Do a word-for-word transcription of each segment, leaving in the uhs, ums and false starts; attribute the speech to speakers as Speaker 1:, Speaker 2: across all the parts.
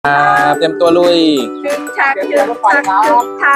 Speaker 1: ครับเตรียมตัวลุย
Speaker 2: ชึกชักชึกชักชึกชัก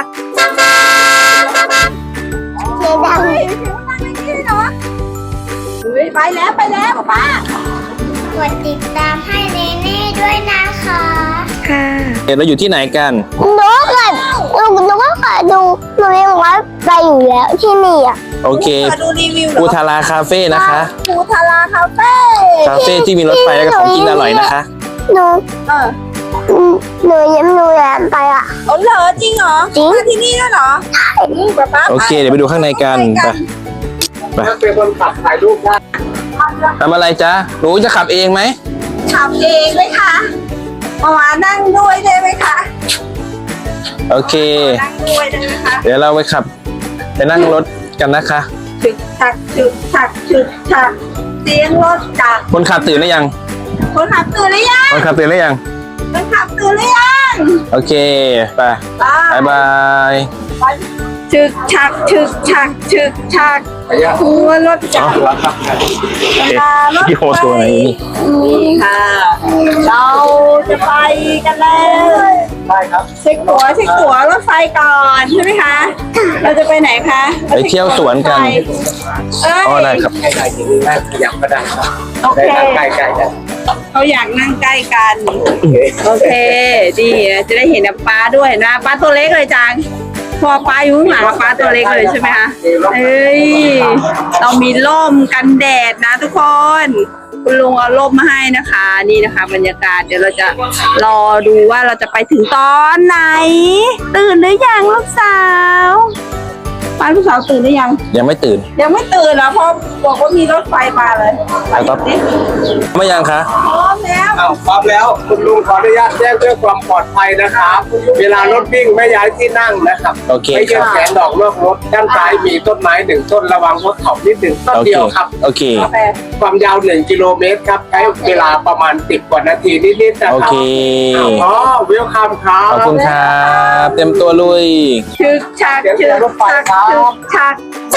Speaker 2: เสียดังเลยนี่เนาะไปแล้วไปแล้วป้ากดติดตามให้เนเน่ด้วยนะคะค่ะ
Speaker 1: เราอยู่ที่ไหนกัน
Speaker 3: หนูก็หนูหนูก็เคยดูหนูยังว่าไปอยู่แล้วที่นี่อ่ะ
Speaker 1: โอเค
Speaker 2: ดูรีวิว
Speaker 1: ปูทาราคาเฟ่นะคะ
Speaker 2: ปูทาราคาเฟ่
Speaker 1: คาเฟ่ที่มีรถไฟและของกินอร่อยนะคะ
Speaker 3: หนู
Speaker 2: เออ
Speaker 3: หนูยังหนูอยากไปอ่ะ
Speaker 2: อ๋อเหรอจริงเหรอจริงมาที่นี่ด้วยเหรอป้า
Speaker 1: โอเคเดี๋ยวไปดูข้างในกันไป
Speaker 4: เป็นคนขับถ่ายรูปได้
Speaker 1: ทำอะไรจ๊ะหนูจะขับเองไหม
Speaker 2: ขับเองไหมคะมามานั่งด้วยได้ไหมคะ
Speaker 1: โอเค
Speaker 2: นั่งด้วยได้ไหมคะ
Speaker 1: เดี๋ยวเราไปขับไปนั่งรถกันนะคะ
Speaker 2: ชึกชักชึกชักชึกชักเสียงรถจักร
Speaker 1: คนขับตื่นหรือยัง
Speaker 2: คนขับตื่นหรือยัง
Speaker 1: คนขับตื่นหรือยัง
Speaker 2: คนขับตื่นหรือยัง
Speaker 1: โอเคไปบายบาย
Speaker 2: ชึกชักชึกชักชึกชักหัวรถจักรรถไฟนี่ค่ะเราจะไปกันแล้ว
Speaker 4: ใช่ครับ
Speaker 2: เช็คตั๋วเช็คตั๋วรถไฟก่อนใช่ไหมคะเราจะไปไหนคะ
Speaker 1: ไปเที่ยวสวนกันอ๋อได้ครับ
Speaker 4: ใกล้ๆที่นี่ขยับก็ได้ครับ
Speaker 2: โอเค
Speaker 4: ใกล้ๆกัน
Speaker 2: เขาอยากนั่งใกล้กันโอเคดีจะได้เห็นป้าด้วยนะป้าตัวเล็กเลยจังพอป้าอยู่ข้างหลังป้าตัวเล็กเลยใช่ไหมคะเฮ้ยเรามีร่มกันแดดนะทุกคนคุณลุงเอาร่มมาให้นะคะนี่นะคะบรรยากาศเดี๋ยวเราจะรอดูว่าเราจะไปถึงตอนไหนตื่นหรือยังลูกสาวป้าลูกสาวตื่นหรือยัง
Speaker 1: ยังไม่ตื่น
Speaker 2: ยังไม่ตื่นนะเพราะบอกว่ามีรถไฟมาเลย
Speaker 1: ไปครับไม่ยังคะ
Speaker 2: พร้อมแล้ว
Speaker 4: อ้าวพร้อมแล้วคุณลุงขออนุญาตแจ้งเพื่อความปลอดภัยนะครับเวลารถวิ่งไม่ย้ายที่นั่งนะครับ
Speaker 1: โอเค
Speaker 4: ไม่ยื่นแขนดอกนอกรถด้านซ้ายมีต้นไม้หนึ่งต้นระวังรถเข่านิดหนึ่งต้นเดียวครับ
Speaker 1: โอเค
Speaker 4: ความยาวหนึ่งกิโลเมตรครับใช้เวลาประมาณสิบกว่านาทีนิดๆนะครับ
Speaker 1: โอเค
Speaker 4: อ๋อเวลคัมครับ
Speaker 1: ขอบคุณครับเตรียมตัวลุย
Speaker 2: ชึกชักชึกชักชึกชัก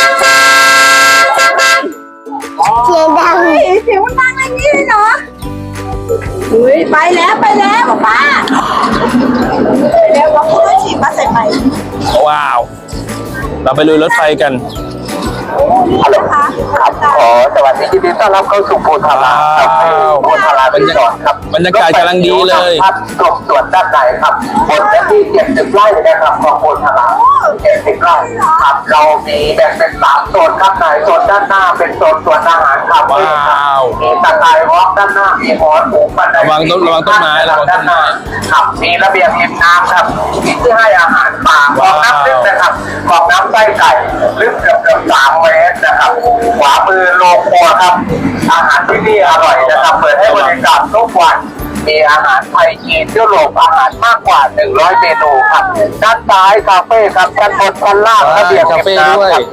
Speaker 3: เสียงดัง
Speaker 2: เสียงมันดังอย่างนี้เลยเนาะอุ้ยไปแล้วไปแล้วป้าไปแล้วว่าคุณต้องฉีดมาใส่ไป
Speaker 1: ว้าวเราไปลุยรถไฟกัน
Speaker 4: ฮัลโหลครับขอสวัสดียินดีต้อนรับเข้าสู่โพธาราครับโพธาราบรรยากาศครับ
Speaker 1: บรรยากาศกำลังดีเลย
Speaker 4: ครับตรงส่วนด้านในครับบนที่เจ็ดสิบไร่นะครับของโพธาราเจ็ดสิบไร่ครับเรามีแบ่งเป็นสามโซนครับในโซนด้านหน้าเป็นโซนสวนอาหารครับ
Speaker 1: ว้าว
Speaker 4: มีตะไคร้วอล์กด้านหน้ามีหอหมูบันได
Speaker 1: ระวังต้นระวังต้นไม้ระวังต้นไม้
Speaker 4: ครับมีระเบียงริมน้ำครับมีที่ให้อาหารปลาคลองน้ำลึกนะครับคลองน้ำไส้ไก่ลึกเกือบเกือบสามเมตรนะครับขวามือโรงครัวครับอาหารที่นี่อร่อยนะครับเปิดให้บริการทุกวันมีอาหารไทยจีนยุโรปอาหารมากกว่าหนึ่งร้อยเมนูครับด้านซ้ายคาเฟ่ครับด้านบนชั้นล่างระเบียงริมน้ำครับ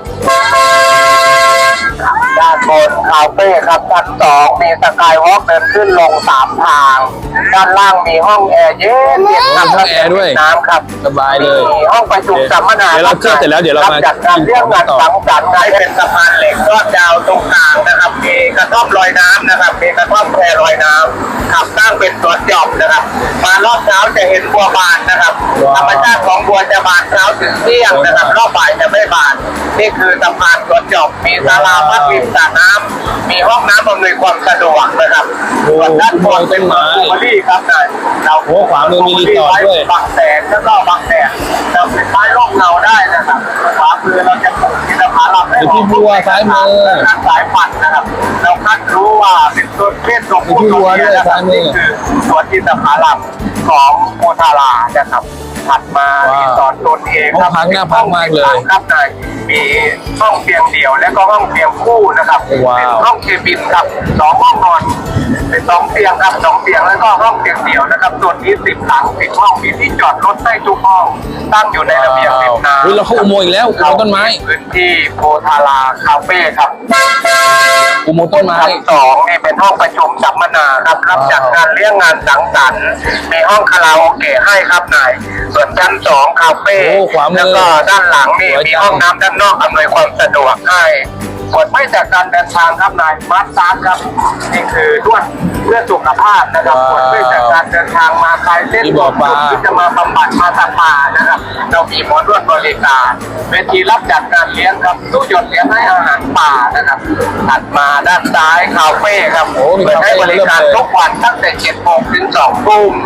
Speaker 4: ด้านบนคาเฟ่ครับชั้นสองมีสกายวอล์กเดินขึ้นลงสามทางด้านล่างมีห้องแอร์เย็นเย็น
Speaker 1: ครับห้องแอร์ด้วย
Speaker 4: น้ำครับ
Speaker 1: สบายเลย
Speaker 4: มีห้องประชุมสัมมนา
Speaker 1: เดี๋ยวเราเที่ยวเสร็จแล้วเดี๋ยวเรามา
Speaker 4: จัดงานเรื่องงานสังสรรค์เป็นสะพานเหล็กทอดยาวตรงกลางนะครับมีกระท่อมลอยน้ำนะครับมีกระท่อมแพลอยน้ำขับสร้างเป็นสวนหย่อมนะครับมารอบเช้าจะเห็นบัวบานนะครับธรรมชาติของบัวจะบานเช้าถึงเที่ยงนะครับรอบบ่ายจะไม่บานนี่คือสะพานสวนหย่อมมีศาลาพักริมสระน้ำมีห้องน้ำอำนวยความสะดวกนะครับส่วนด้านบนเป็นไม้ที่ครับนายเรา
Speaker 1: โอ้ขวามือมีรีสอร์ทด้วย
Speaker 4: บางแสนแล้วก็บางแดดเราเป็นไม้ร่มเงาได้นะครับขวามือเราจะปลูกอินทผลัม
Speaker 1: ที่บัวซ้ายมือ
Speaker 4: สายพันธุ์นะครับเราคัดรู้ว่าเป็นต้นเพศของผู้ตัวนี้นะครับนี่คือสวนอินทผลัมของโพธารานะครับถัดมารีสอร์ทตนเอง
Speaker 1: ครับพักหน้าพักมากเลย
Speaker 4: ครับนายมีห้องเตียงเดี่ยวและก็ห้องเตียงคู่นะครับเป็นห้องเคบินครับสองห้องนอนเป็นสองเตียงครับสองเตียงแล้วก็ห้องเตียงเดี่ยวนะครับส่วนนี้สิบหลังสิบห้องมีที่จอดรถได้ทุกห้องตั้งอยู่ในระเบียงริมน้ำ
Speaker 1: เฮ้ยเราเข้าอุโมงค์อีกแล้วอุโมงค์ต้นไม้
Speaker 4: พื้นที่โพธาราคาเฟ่ครับ
Speaker 1: อุโมงค์ต้นไม้
Speaker 4: สองนี่เป็นห้องประชุมสัมมนาครับรับจัดงานเลี้ยงงานสังสรรค์มีห้องคาราโอเกะให้ครับนายส่วนชั้นสองคาเฟ่แล้วก็ด้านหลังนี่มีห้องน้ำด้านนอกอำนวยความสะดวกให้ผลไม่จากการเดินทางครับนายมาร์คซาร์ครับนี่คือนวดเพื่อสุขภาพนะครับผลไม่จากการเดินทางมาคลายเส้นปวดที่จะมาบำบัดมาสปานะครับเรามีหมอนวดบริการเวทีรับจัดการเลี้ยงครับตู้หยดเลี้ยงให้อาหารป่านะครับถัดมาด้านซ้ายคาเฟ่ครับเปิดให้บริการทุกวันตั้งแต่เจ็ดโมงถึงสองทุ่ม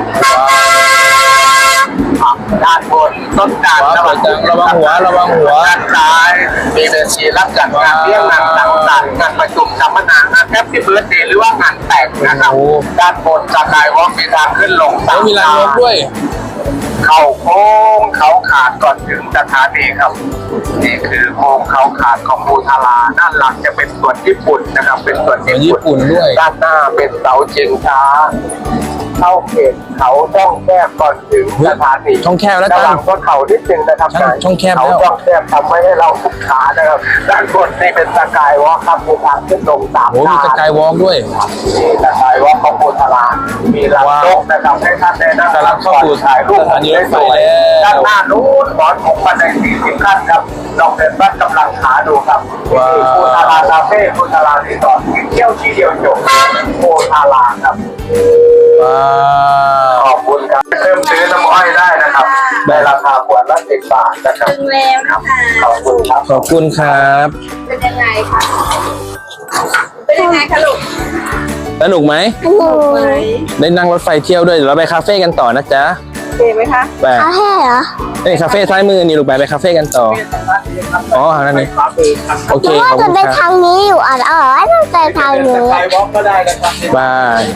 Speaker 4: ด้านบนต้นจาน
Speaker 1: ระวังระวังหัวระวังหัว
Speaker 4: ด้านซ้ายมีเวทีรับจัดงานเลี้ยงงานสังสรรค์งานประชุมสัมมนางานแฮปปี้เบิร์ธเดย์หรือว่างานแต่งนะครับด้านบนสกายวอล์กมีทางขึ้นลง
Speaker 1: แล้วมีรางรถด้วย
Speaker 4: เข้าโค้งเขาขาดก่อนถึงสถานีครับนี่คือโค้งเขาขาดของภูทาราด้านหลังจะเป็นส่วนญี่ปุ่นนะครับเป็นส่วน
Speaker 1: ญี่ปุ่นด้วย
Speaker 4: ด้านหน้าเป็นเสาเชิงช้าเข้าเขตเขาช่องแคบก่อนถึงสถานี
Speaker 1: ช่องแคบแล้ว
Speaker 4: ระ
Speaker 1: จั
Speaker 4: หว่าง
Speaker 1: ง
Speaker 4: บนเขานิดนึงนะครับ
Speaker 1: ช่องช่องแคบแล้ว
Speaker 4: เขาช่องแคบทำไว้ให้เราทุกขานะครับด้านบนนี่เป็นสกายวอล์กครับมีทางขึ้นลงสาม
Speaker 1: โอ้มีสกายวอล์กด้วย
Speaker 4: มีสกายวอล์กของภูทารามีลำนกนะครับให้ท่านได้นั่ง
Speaker 1: กำลังเข้าสู่
Speaker 4: ถ่ายรูป
Speaker 1: สถานีรถไฟแล้ว
Speaker 4: ด้านหน้านู้นหมอนของบันไดสี่สิบขั้นครับลองเดินวัดกำลังขาดูครับนี่คือภูทาราคาเฟ่ภูทารารีสอร์ทกินเที่ยวทีเดียวจบภูทาราครับ
Speaker 1: ว้าว
Speaker 4: ขอบคุณครับเพิ่มซื้อน้ำอ้อยได้นะครับในราคาขวดละสิบบาทนะครับ
Speaker 2: ถึงแล้วนะคะ
Speaker 4: ขอบคุณครับ
Speaker 1: ขอบคุณครับ
Speaker 2: เป็นยังไงคะเป็นยังไงคะลูก
Speaker 1: สนุกไหม
Speaker 3: หนู
Speaker 2: ไหม
Speaker 1: ได้นั่งรถไฟเที่ยวด้วยเดี๋ยวเราไปคาเฟ่กันต่อนะจ๊ะ
Speaker 2: โอเคไหมคะ
Speaker 1: ไป
Speaker 3: เอาให้เหรอ
Speaker 1: นี่คาเฟ่ซ้ายมือนี่ลูกไปไปคาเฟ่กันต่อ อ๋อทางนั้นนี่โอ
Speaker 3: ห
Speaker 1: เค
Speaker 3: นูว่า
Speaker 1: ขอบ
Speaker 3: จะ
Speaker 1: คุณ
Speaker 3: ไป
Speaker 1: ครับ
Speaker 3: ทางนี้อยู่อ่ะเออต้องไปทางนี้
Speaker 4: ไปวอล์กก็ได้นะครับ
Speaker 1: บาย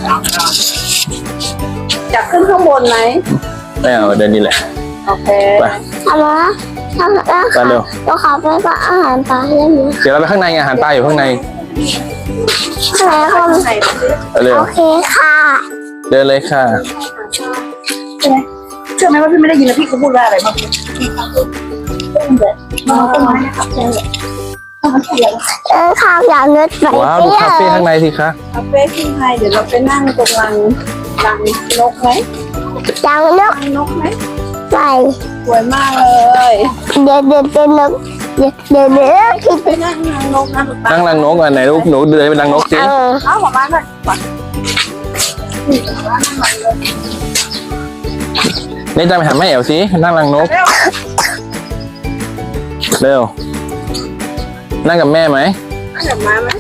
Speaker 2: อยากขึ้นข้างบนไหม
Speaker 1: ไม่เอาเดินนี่แหละ
Speaker 2: โอเค
Speaker 1: ไป
Speaker 3: ทำมาทำแล้ว
Speaker 1: ไป
Speaker 3: ค่ะ
Speaker 1: เร็ว
Speaker 3: เราขอไปปะอาหารปลาได้ไหม
Speaker 1: เดี๋ยวเราไปข้างในไงอาหารปลาอยู่ข้างใน
Speaker 3: ข้างในค
Speaker 2: ข้าง
Speaker 3: น
Speaker 2: ในสิ
Speaker 1: ไปเร็ว
Speaker 3: โอเคค่ะ
Speaker 1: เดินเลยค่ะ
Speaker 2: เชื่อไหมว่าพี่ไม่ได้ยินแล้วพี่เขาพูดว่าอะไรบ้างมาต้นไม้นะครับเจอ
Speaker 3: เออข้าวอย่างเนื้อไป
Speaker 1: ว้าวดูคาเฟ่ข้างในสิคะ
Speaker 2: คาเฟ่ขึ้นไทยเดี๋ยวเราไปนั่งตรงรังรังนกไหม
Speaker 3: อย่างนก
Speaker 2: รังนกไหม
Speaker 3: ใส่
Speaker 2: สวยมากเลย
Speaker 3: เดี๋ยวเดี๋ยวเดี๋ยวนกเดี๋ยวเดี๋ยวเดี๋ยวคิด
Speaker 2: ไปนั่งรังนกนะลูกตา
Speaker 1: นั่งรังนกอ่ะไหนลูกหนูเดินไปรังนกสิ
Speaker 3: เออ
Speaker 2: เอาหัวมาหน่อยก่อน
Speaker 1: นี่จะไปหาแม่เอ๋วสินั่งรังนก
Speaker 2: เร็ว
Speaker 1: เร็ว นั่งกับแม่ไหม
Speaker 2: เอาเดี๋ยวมาไหม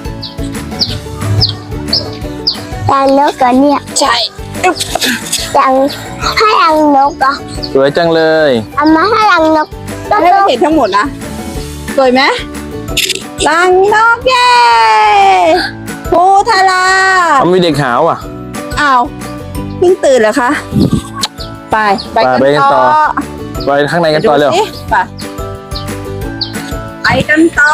Speaker 3: อย่างนกก่อนเนี่ย
Speaker 2: ใช่
Speaker 3: อย่างให้รังนกอ่ะ
Speaker 1: สวยจังเลย
Speaker 3: เอามาให้รังนกก็
Speaker 2: ให้
Speaker 3: ต้
Speaker 2: เรา
Speaker 3: อง
Speaker 2: เห็นทั้งหมดนะสวยไหมรังนกเย้ภูทารา
Speaker 1: เขามีเด็กหาวอ่ะ
Speaker 2: อ้าวเพิ่งตื่นเหรอคะไปไป
Speaker 1: ไปไปกั
Speaker 2: กัน น
Speaker 1: ต่
Speaker 2: ต่
Speaker 1: อ
Speaker 2: อ
Speaker 1: ไปข้างในกันต่อเร็ว
Speaker 2: ดูสิไปไปกันต่อ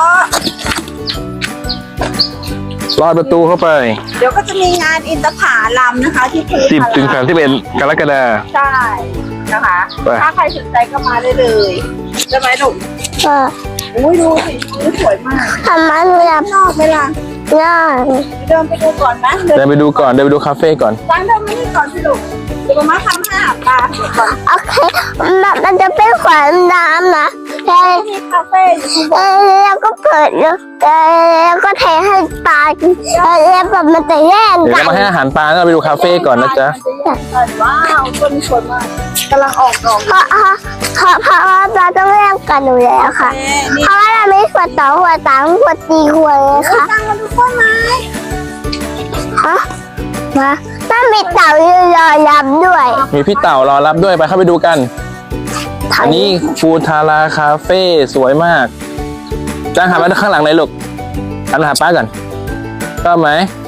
Speaker 1: ลอดประตูเข้าไป
Speaker 2: เดี๋ยวก็จะมีงานอินทผลัมนะคะ ที่ภู
Speaker 1: สิบ
Speaker 2: ทา
Speaker 1: ถึง
Speaker 2: รา
Speaker 1: สามสิบเอ็ดกรกฎาคม
Speaker 2: ใช่นะคะ
Speaker 1: ไป
Speaker 2: ถ้าใครสนใจก็มาได้เลยใช่ไหมหนุ่ม
Speaker 3: เออ
Speaker 2: อุ้ยดูสิชุดสวยมาก
Speaker 3: ทำมาหนูอยาก
Speaker 2: นอกไหมล่ะ
Speaker 3: ย่าง
Speaker 2: เดินไปดูก่อนนะ
Speaker 1: เดินไปดูก่อนเดินไปดูคาเฟ่ก่อน
Speaker 2: ตั้งเดินไม่ได้ก่อนสิลูกเดี๋ยวมาทำให้อาบตาเดี๋ยวก่อน
Speaker 3: โอเคมันมันจะเป็นขวานน้ำนะแต่
Speaker 2: มีคาเฟ่อยู่ข้างบ
Speaker 3: เอนอแล้วก็เปิดแล้วแล้วก็เทให้ปลากินแล้วแบบมันจะแย่ง
Speaker 1: เดี๋ยว
Speaker 3: กั
Speaker 1: เรา
Speaker 3: น
Speaker 1: มาให้อาหารปลาแล้วเราไปดูคาเฟ่ก่อนนะจ๊ะ
Speaker 2: ว้าวต้นสวยมากกำลังออกดอก
Speaker 3: เพราะเพราะเพราะว่าปลาต้องแย่งกันอยู่แล้วค่ะ
Speaker 2: เอ๊ะนี่
Speaker 3: เพราะว่าเราไม่ขวดสองขวดสามขวดสี่ขวดเลยค่ะ
Speaker 2: ตั้งมาดูต้นไม้
Speaker 3: ฮะมาต้องมีเต่ายืนรอรับด้วย
Speaker 1: มีพี่เต่ารอรับด้วยไปเข้าไปดูกัน อันนี้ฟูทาราคาเฟ่สวยมากจ้างหามาข้างหลังเลยลูกหันมาหาป้าก่อนชอบไหม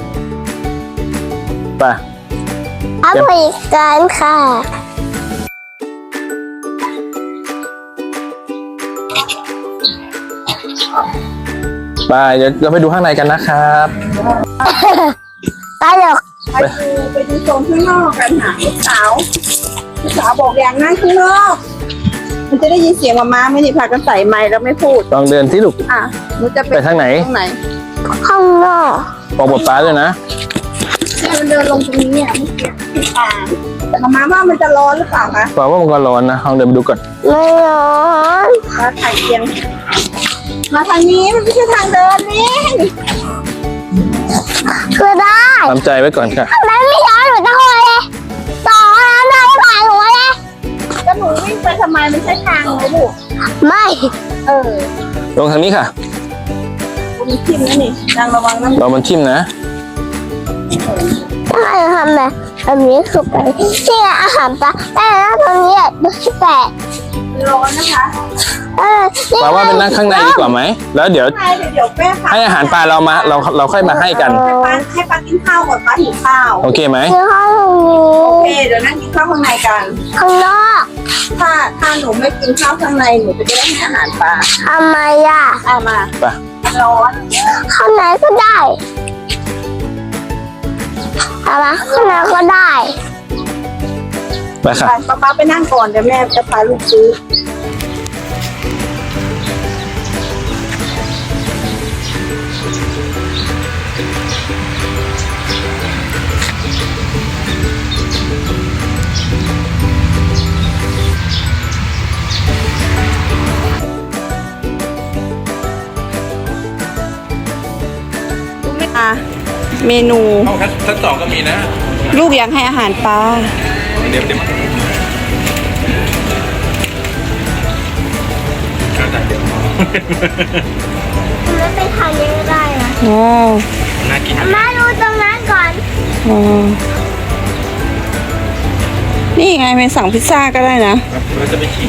Speaker 1: ไป
Speaker 3: เอาไปกันค่ะ
Speaker 1: ไปเดี๋ยวเราไปดูข้างในกันนะครับ
Speaker 3: ตลก
Speaker 2: ไปดูไปดูโซนข้างนอกกันหาลูกสาวลูกสาวบอกอย่างนั่งข้างนอกมันจะได้ยินเสียงมาม่าไหม่นี่พากันใส่ไมค์แล้วไม่พูด
Speaker 1: ลองเดินที่ลูก
Speaker 2: อ่ะหนูจะไป
Speaker 1: ไปทางไหน
Speaker 2: ตรงไหน
Speaker 3: ข้างนอก
Speaker 1: บอกบทป้าด้วยนะ
Speaker 2: เนี่ยมันเดินลงตรงนี้เนี่ยเมื่อกี้ที่ป่าแต่มาม่าว่ามันจะร้อนหรือเปล่าคะ
Speaker 1: บอกว่ามันก็ร้อนนะลองเดินไปดูก่อน
Speaker 3: ไม่ร้อน
Speaker 2: ว่าไข่เตียงมาทางนี้มันไม่ใช่ทางเดินนี่
Speaker 3: ก็ได้
Speaker 1: ทำใจไว้ก่อนค่ะ
Speaker 3: ทำไมไม่ย้อนหนูตะโกนเลยต่อน้ำได้ผ่านหัวเลย
Speaker 2: ก็หนูวิ่งไปทำไมมันใช่ทางไหมลูก
Speaker 3: ไม่
Speaker 2: เออ
Speaker 1: ลงทางนี้ค่ะ
Speaker 2: มีทิ่มนะนี่นางระวังนะ
Speaker 1: เรามันทิ่มนะ
Speaker 3: ถ้าเราทำแบบแบบนี้คือไปที่อาหารปลาแต่แล้วตรงนี้อ่ะดูสิแปด
Speaker 2: ร้อนนะคะ
Speaker 3: เออ
Speaker 1: ปลาว่าเป็นนั่งข้างในดีกว่าไหม แล้วเดี๋ยว
Speaker 2: ใช่เดี๋ยวแม่พา
Speaker 1: ให้อาหารปลาเรามา เราเราค่อยมาให้กัน
Speaker 2: ให้ปลาให้ปลากินข้าวก่อนปลาหิวข้าว
Speaker 1: โอเคไหม
Speaker 3: คือห้อง
Speaker 2: โอเค
Speaker 3: นี้
Speaker 2: เดี๋ยวนั่งกินข้าวข้างในกัน
Speaker 3: ข้างนอก
Speaker 2: ถ้าถ้าหนูไม่กินข้าวข้างในหนูจะได้ให้อาหารปลา
Speaker 3: ทำไมอ่ะ
Speaker 2: เอามา
Speaker 1: ไป
Speaker 2: ร้อน
Speaker 3: ข้างในก็ได้เอามาข้างในก็ได้
Speaker 1: ไปค่ะ
Speaker 2: ไปป้าป้าไปนั่งก่อนเดี๋ยวแม่จะพาลูกซื้อ อ่ะเมนู
Speaker 1: ห้องชั้นสองก็มีนะ
Speaker 2: ลูกอยากให้อาหารปลา
Speaker 1: เดี๋ยวเดี๋ยว
Speaker 3: มันไปทางนี้ก็ได้นะ
Speaker 2: อ๋อ
Speaker 1: น่ากิน
Speaker 3: มาดูตรงนั้นก่อน
Speaker 2: อ๋อนี่ไงไปสั่งพิซซ่าก็ได้นะ
Speaker 1: เราจะไปขี่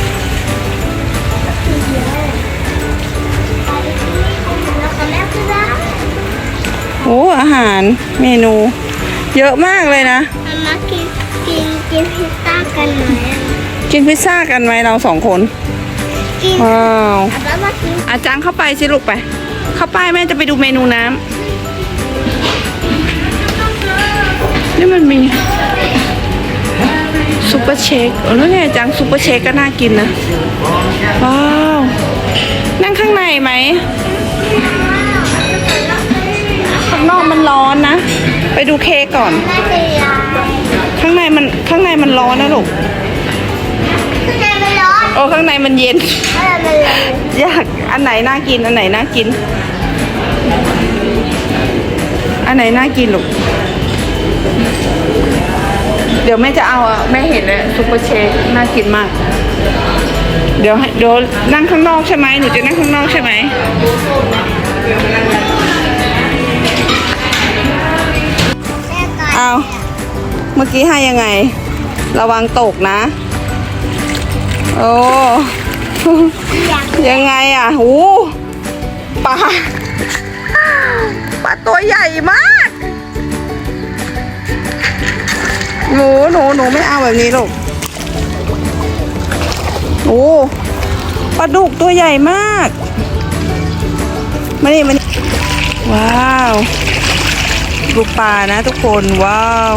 Speaker 3: แล้วก็แม่ก็ได้
Speaker 2: โอ้อาหารเมนู เยอะมากเลยนะ
Speaker 3: มันมากินกินกินพิซซ่ากันไหมอ่ะ
Speaker 2: กินพิซซ่ากันไหมเราสองคน
Speaker 3: กิน
Speaker 2: ว้าว
Speaker 3: แล้วมากิน
Speaker 2: อาจารย์เข้าไปสิลูกไป เข้าไปแม่จะไปดูเมนูน้ำนี่มันมีซุปเปอร์เชคเออแล้วไงอาจารย์ซุปเปอร์เชคก็น่ากินนะ ว้าว นั่งข้างในไหม ข้างนอกมันร้อนนะ ไปดูเค้กก่อน
Speaker 3: น่าจะยา
Speaker 2: ข้างในมันข้างในมันร้อนนะลูก
Speaker 3: ข้างในมันร้อน
Speaker 2: โอ้ข้างในมันเย็น
Speaker 3: ข้างในมันร้อน
Speaker 2: อยากอันไหนน่ากินอันไหนน่ากิน อันไหนน่ากินลูก เดี๋ยวแม่จะเอาอ่ะแม่เห็นแล้วซุปเปอร์เชคน่ากินมาก เดี๋ยวให้เดี๋ยวนั่งข้างนอกใช่ไหมหนูจะนั่งข้างนอกใช่ไหมเอาเมื่อกี้ให้ยังไง ระวังตกนะ โอ้ ยังไงอ่ะหูปลาปลาตัวใหญ่มาก หนูหนูหนูไม่เอาแบบนี้ลูกโอ้ปลาดุกตัวใหญ่มากมานี่มานี่ว้าวดูปลานะทุกคนว้าว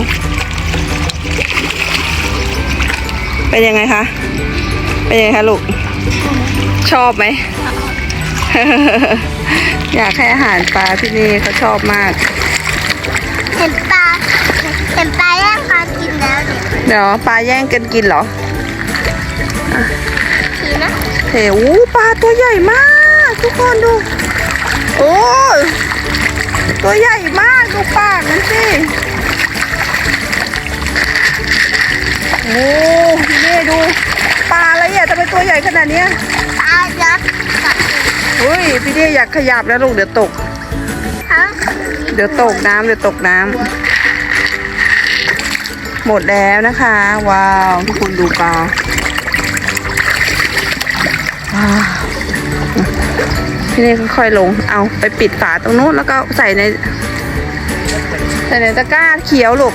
Speaker 2: เป็นยังไงคะเป็นยังไงคะลูกชอบไหม อยากให้อาหารปลาที่นี่เขาชอบมาก
Speaker 3: เห็นปลาเห็นปลาแย่งปลากินแล้วเนี่ย
Speaker 2: เดี๋ยวปลาแย่งกันกินเหรอ
Speaker 3: ทีนะ
Speaker 2: เฮ้ยปลาตัวใหญ่มากทุกคนดู โอ้ยตัวใหญ่มากดูปากมันสิโอ้พี่เน่ดูปลาอะไรอ่ะทำไมตัวใหญ่ขนาดเนี้ย
Speaker 3: ปลายักษ์กับ
Speaker 2: เฮ้ยพี่เน่อยากขยับแล้วลูกเดี๋ยวตก
Speaker 3: ทั้ง
Speaker 2: เดี๋ยวตกน้ำเดี๋ยวตกน้ำหมดแล้วนะคะ ว้าวทุกคนดูปลาว้าวพี่เน่ค่อยๆลงเอาไปปิดฝาตรงนู้นแล้วก็ใส่ในใส่ในตะกร้าเขียวลูก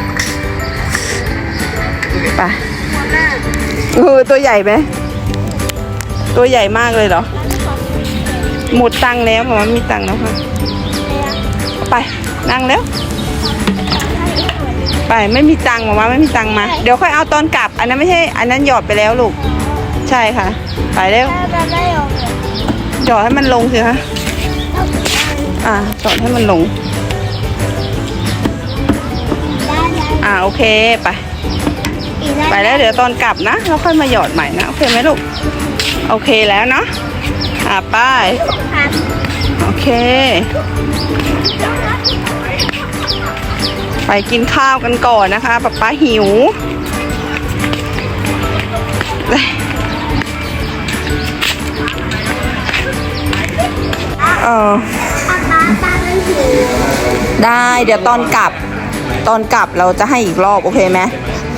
Speaker 2: ไปเออตัวใหญ่ไหมตัวใหญ่มากเลยเหรอหมดตังค์แล้วหมอมีตังค์แล้วค่ะไปนั่งแล้วไปไม่มีตังค์หมอมาไม่มีตังค์มาเดี๋ยวค่อยเอาตอนกลับอันนั้นไม่ใช่อันนั้นหยอดไปแล้วลูกใช่ค่ะไปเร็ว
Speaker 3: ปลาได้หรอ
Speaker 2: หยอดให้มันลงสิคะอ่าหยอดให้มันลง
Speaker 3: ได้ได้
Speaker 2: อ่าโอเคไป
Speaker 3: อีกได้
Speaker 2: ไปแล้วเดี๋ยวตอนกลับนะเราค่อยมาหยอดใหม่นะโอเคไหมลูกโอเคแล้วเนาะอ่ะป้ายโอเค ไปกินข้าวกันก่อนนะคะป๊าป๊าหิวเออได้เดี๋ยวตอนกลับ ตอนกลับเราจะให้อีกรอบโอเคไหม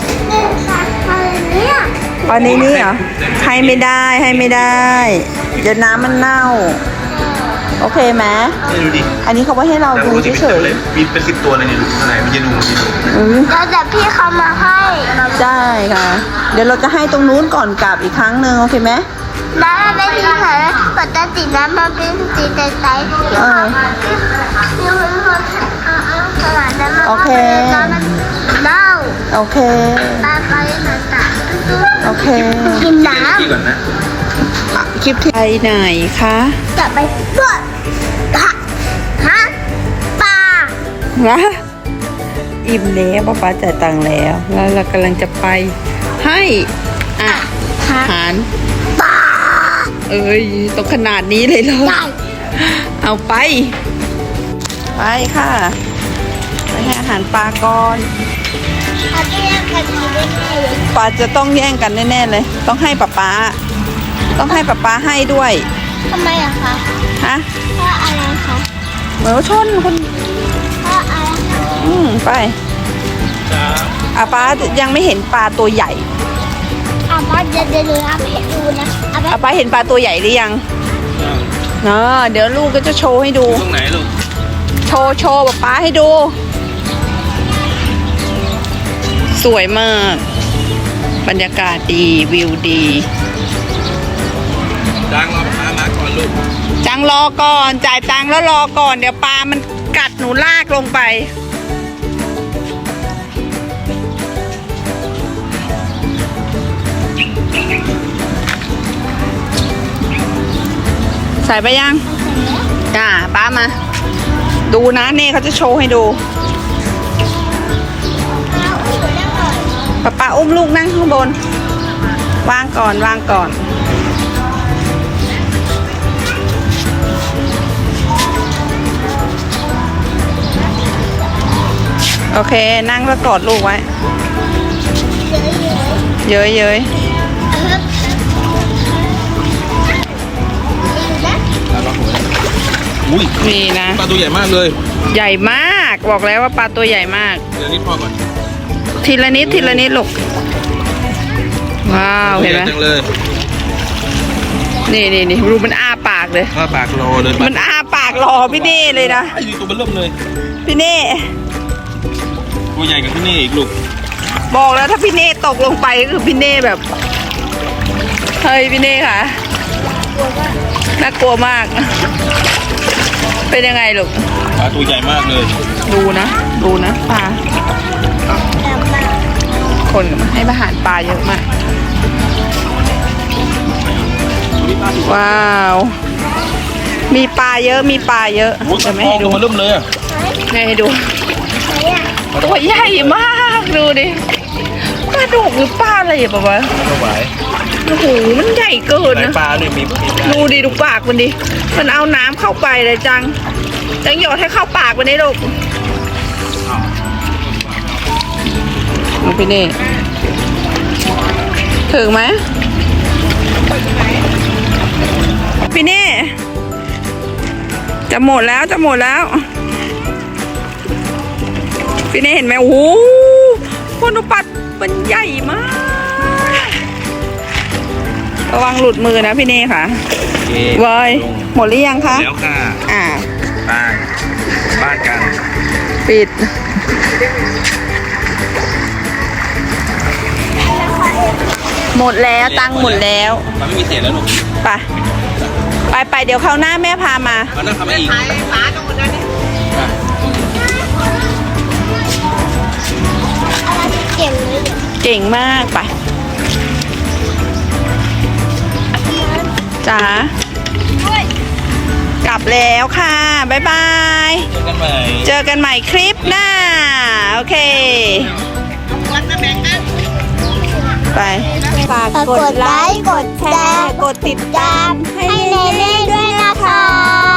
Speaker 2: ตอนนี้นี่เหรอให้ไม่ได้ให้ไม่ได้ เดี๋ยวน้ำมันเน่า โอเคไหม
Speaker 4: ไม่รู้ดิ
Speaker 2: อันนี้เขาไว้ให้เราดูเฉย
Speaker 4: มีเป็นสิบตัวเลยเนี่ยอะไรมันจะดูมันจะดู
Speaker 2: ๆอืม
Speaker 3: แล้วแต่พี่เขามาให้
Speaker 2: ได้ค่ะ เดี๋ยวเราจะให้ตรงนู้นก่อนกลับอีกครั้งหนึ่งโอเคไหม
Speaker 3: น้ำมันเป็นสีขาวปกติน้ำมันเป็นสีใสๆสีขาวนี่มันคนขนาดนั้นมัน
Speaker 2: โอเค
Speaker 3: น้ำมันเน่า
Speaker 2: โอเค
Speaker 3: ปลาไปหนาตา
Speaker 2: โอเค
Speaker 3: กินน้
Speaker 4: ที่ก่อนนะ
Speaker 2: อ่ะคลิปที่ไปไหนคะ
Speaker 3: ำจะไปบวชฮะฮะปลา
Speaker 2: นะอิ่มแล้วป๊าป๊าจ่ายตังค์แล้ว แล้วเรากำลังจะไปให้อาหาร
Speaker 3: ปลา
Speaker 2: เอ้ยต้องขนาดนี้เลยเหรอ
Speaker 3: ได้
Speaker 2: เอาไป ไปค่ะ ไปให้อาหารปลาก่อน
Speaker 3: เอาไปเล่นกันดีได้ไหม
Speaker 2: ปลาจะต้องแย่งกันแน่ๆเลย ต้องให้ป๊าป๊าต้องให้ป๊าป๊าให้ด้วย
Speaker 3: ทำไมอะคะ
Speaker 2: ฮะ
Speaker 3: เพราะอะไรคะ
Speaker 2: เหมือนว่าชนคน
Speaker 3: เพราะอะไรคะ
Speaker 2: อืมไปอาป๊ายังไม่เห็นปลาตัวใหญ่
Speaker 3: อ่ะพ่อเดี๋ยวเดี๋ยวหนูทำให้ดูนะเอาไป
Speaker 2: อาป๊าเห็นปลาตัวใหญ่หรือยังเนาะเดี๋ยวลูกก็จะโชว์ให้ดู
Speaker 1: ตรงไหนลูก
Speaker 2: โชว์โชว์ป๊าป๊าให้ดู สวยมาก บรรยากาศดีวิวดี
Speaker 1: ดังเราพามาก่อนลูก
Speaker 2: จังรอก่อนจ่ายตังค์แล้วรอก่อนเดี๋ยวปลามันกัดหนูลากลงไป ใส่ไปยังอ่าป้ามา ดูนะเน่เขาจะโชว์ให้ดูป้าป้าอุ้มลูกนั่งข้างบน วางก่อนวางก่อน โอเคนั่งแล้วกอดลูกไว้ เย้ยเย้ย
Speaker 1: อุ้ย
Speaker 2: นี่นะ
Speaker 1: ปลาตัวใหญ่มากเลย
Speaker 2: ใหญ่มากบอกแล้วว่าปลาตัวใหญ่มาก
Speaker 1: เดี๋ยวนี้พ่อก่อน
Speaker 2: ทีละนิดทีละนิดลูกว้าวเห็นไหม
Speaker 1: จังเลย
Speaker 2: นี่นี่นี่ดูมันอ้าปากเลย
Speaker 1: ข้าปากรอเลย
Speaker 2: มันอ้าปากรอพี่เน่เลยนะ
Speaker 1: ไอ้นี่ตัวมันเริ่มเลย
Speaker 2: พี่เน่
Speaker 1: ตัวใหญ่กับที่นี่อีกลูก
Speaker 2: บอกแล้วถ้าพี่เน่ตกลงไปก็คือพี่เน่แบบเฮ้ยพี่เน่ค่ะน่ากลัวมาก เป็นยังไงลูก
Speaker 1: ปลาตัวใหญ่มากเลย
Speaker 2: ดูนะดูนะปลาคนให้อาหารปลาเยอะมากว้าวมีปลาเยอะมีปลาเยอะ
Speaker 1: อุ้ย
Speaker 2: จะไม่ให้ดู
Speaker 1: ตัวมันเริ่มเลยอะ
Speaker 2: ไม่ให้ดูตัวใหญ่มากดูดิปลาดุกหรือปลาอะไรอะป๊าป๊า
Speaker 1: ไม่ไหว
Speaker 2: โอ้โหมันใหญ่เกิน
Speaker 1: ไหน
Speaker 2: นะ
Speaker 1: ปลาเนี่ยมีมีปลา
Speaker 2: ดูดิดูปากมันดิมันเอาน้ำเข้าไปเลยจังจังหยอดให้เข้าปากมันได้ลูกลูกพี่เน่ถึงไหมพี่เน่จะหมดแล้วจะหมดแล้วพี่เน่เห็นไหมโอ้โหคนดูปัดมันใหญ่มากระวังหลุดมือนะพี่เน่ค่ะ
Speaker 1: โอเค
Speaker 2: เว้ยหมดหรือยังคะ
Speaker 1: แล้วค่ะ
Speaker 2: อ่า
Speaker 1: ไปบ้านกัน
Speaker 2: ปิด หมดแล้วตังค์หมดแล้ว
Speaker 1: มันไม่มีเศษแล้วลูก
Speaker 2: ไปไปไปเดี๋ยวคราวหน้าแม่พามา
Speaker 1: มันน่าทำให้อีก
Speaker 3: เก่งเลย
Speaker 2: เก่งมากไปจ๋ากลับแล้วค่ะ บ๊ายบาย
Speaker 1: เจอกันใหม่
Speaker 2: เจอกันใหม่คลิปหน้า โอเค ไปไปฝากกดไลค์ กดแชร์ กดติดตามให้เนเน่ด้วยนะคะ